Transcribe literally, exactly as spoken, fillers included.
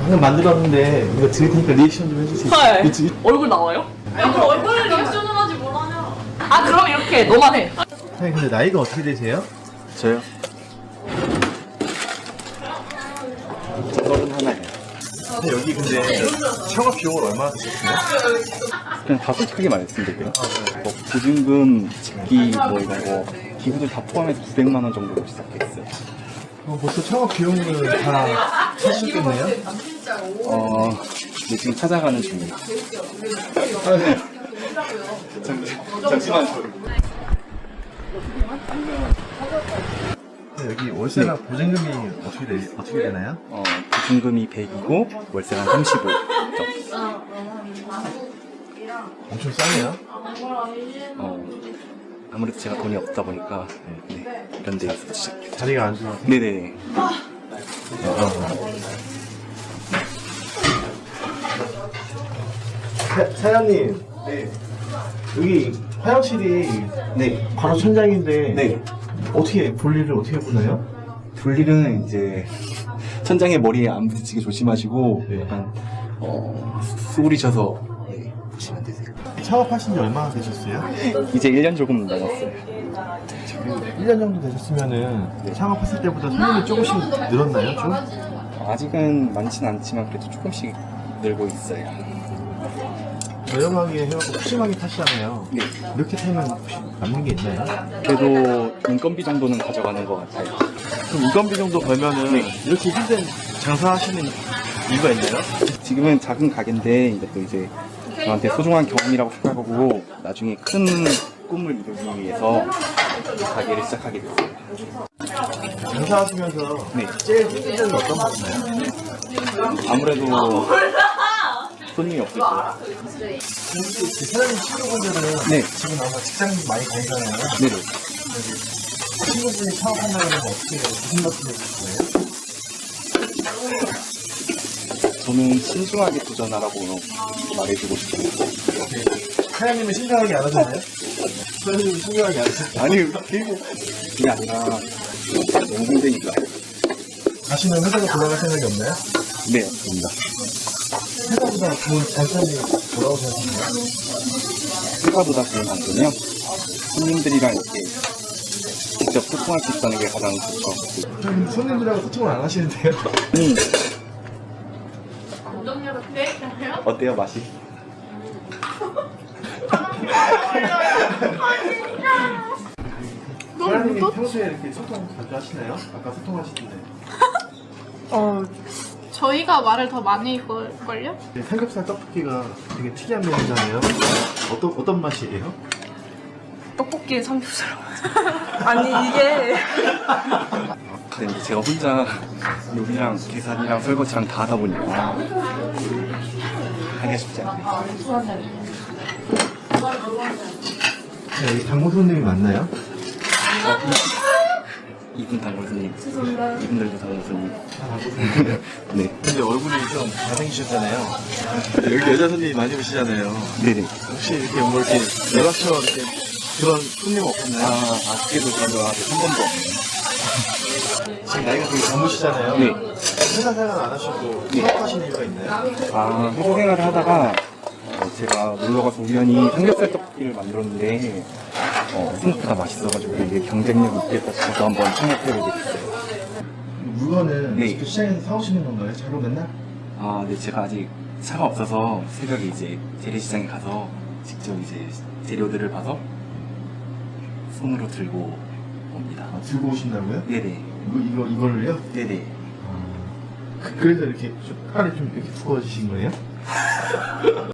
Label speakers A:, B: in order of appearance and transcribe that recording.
A: 방금 만들었는데 이거 드릴 테니까 리액션 좀 해주세요.
B: 헐.
A: 그치?
B: 얼굴 나와요?
C: 야, 그럼 얼굴 리액션을 하지 뭘 하냐?
B: 아 그럼 이렇게 너만 해.
A: 사장님 근데 나이가 어떻게 되세요?
D: 저요? 서른 하나예요.
A: 근데 여기 근데 창업 비용을 얼마나 드셨어요?
D: 그냥 다 솔직하게 말씀드릴게요. 뭐 보증금, 집기, 뭐 이런 거 기구들 다 포함해서 구백만 원 정도로 시작했어요.
A: 그럼 벌써 창업 비용을 다 하셨겠네요?
D: 어, 네, 지금 찾아가는 중이에요.
A: 아, 네.
D: 잠시만요.
A: 여기 월세나 보증금이 어떻게, 되, 어떻게 되나요?
D: 어, 보증금이 백이고 월세가 한 삼십오 점.
A: 엄청 싸네요.
D: 어, 아무래도 제가 돈이 없다 보니까 네, 네, 이런 데서 시작해요.
A: 자리가 안 좋아서.
D: 네네.
A: 사, 사장님. 네. 여기 화장실이
D: 네.
A: 바로 천장인데
D: 네.
A: 어떻게 볼일을 어떻게 보나요?
D: 볼일은 이제 천장에 머리에 안 부딪히게 조심하시고
A: 네.
D: 약간 어, 수그리셔서 네, 보시면 되세요.
A: 창업하신 지 얼마나 되셨어요?
D: 이제 일 년 조금 넘었어요.
A: 일 년 정도 되셨으면은 창업했을 때보다 손님이 조금씩 늘었나요? 좀?
D: 아직은 많지는 않지만 그래도 조금씩 늘고 있어요.
A: 저렴하게 해갖고 푸짐하게 타시잖아요.
D: 네.
A: 이렇게 타면 혹시 남는 게 있나요?
D: 그래도 인건비 정도는 가져가는 것 같아요.
A: 그럼 인건비 정도 벌면은
D: 네.
A: 이렇게 힘든 장사하시는 이유가 있나요?
D: 지금은 작은 가게인데 이것도 이제 저한테 소중한 경험이라고 생각하고 나중에 큰 꿈을 이루기 위해서 가게를 시작하게 됐어요.
A: 장사하시면서
D: 네.
A: 제일 힘든 점이 어떤 거 있나요?
D: 아무래도 손님이 없을 거예요.
A: 그 사장님 친구분들은
D: 네.
A: 지금 아마 직장 많이 다니잖아요.
D: 네네.
A: 친구분이 창업한다고 하면 어떻게 무슨 말씀을 해주세요?
D: 저는 신중하게 도전하라고 말해주고 싶어요.
A: 사장님은 신중하게 안 하잖아요? 사장님은 신중하게 안 하세요?
D: 아니, 그게, 그게 아니라 너무 힘드니까.
A: 다시는 회사로 돌아갈 생각이 없나요?
D: 네, 없습니다.
A: 회사보다 좋은 장점이 뭐라고 생각하세요?
D: 회사보다 좋은 장점이요? 손님들이랑 이렇게 직접 소통할 수 있다는 게 가장 좋죠.
A: 좀 손님들하고 소통을 안 하시는데요?
D: 음,
C: 감정력 어때요?
D: 어때요, 맛이?
A: 사장님이 평소에 이렇게 소통 자주 하시나요? 아까 소통하시던데.
C: 어, 저희가 말을 더 많이 걸걸요?
A: 네, 삼겹살 떡볶이가 되게 특이한 메뉴잖아요. 어떤 어떤 맛이에요?
B: 떡볶이에 삼겹살. 아니 이게
D: 근데 이제 제가 혼자 요리랑 계산이랑 설거지랑 다 하다 보니까 하기가 쉽지 않아요.
A: 네, 여기 단골 손님이 많나요?
D: 이분 단골 손님. 이분들도 단골 손님. 네.
A: 근데 얼굴이 좀 잘생기셨잖아요. 여기 여자 손님이 많이 오시잖아요.
D: 네네.
A: 혹시 이렇게 뭐 이렇게 연락처럼 이렇게 그런 손님
D: 아,
A: 없었나요?
D: 아쉽게도 그런 거 아직 한 번도 없네요.
A: 지금 나이가 되게 젊으시잖아요.
D: 네.
A: 회사 생활 안 하시고
D: 네.
A: 창업하신 이유가 있나요?
D: 아, 회사 생활을 하다가 어, 제가 놀러가서 우연히 삼겹살 떡볶이를 만들었는데 어, 생각보다 맛있어가지고 이게 경쟁력 있겠다 싶어서 한번 창업해보게 됐어요.
A: 물건은
D: 네.
A: 직접 시장에서 사오시는 건가요? 차로 맨날?
D: 아, 근데 제가 아직 차가 없어서 새벽에 이제 재래시장에 가서 직접 이제 재료들을 봐서 손으로 들고 옵니다.
A: 아, 들고 오신다고요?
D: 네네.
A: 이거, 이거, 이걸로요?
D: 네네.
A: 그- 그래서 이렇게 좀 팔이 좀 이렇게 두꺼워지신 거예요?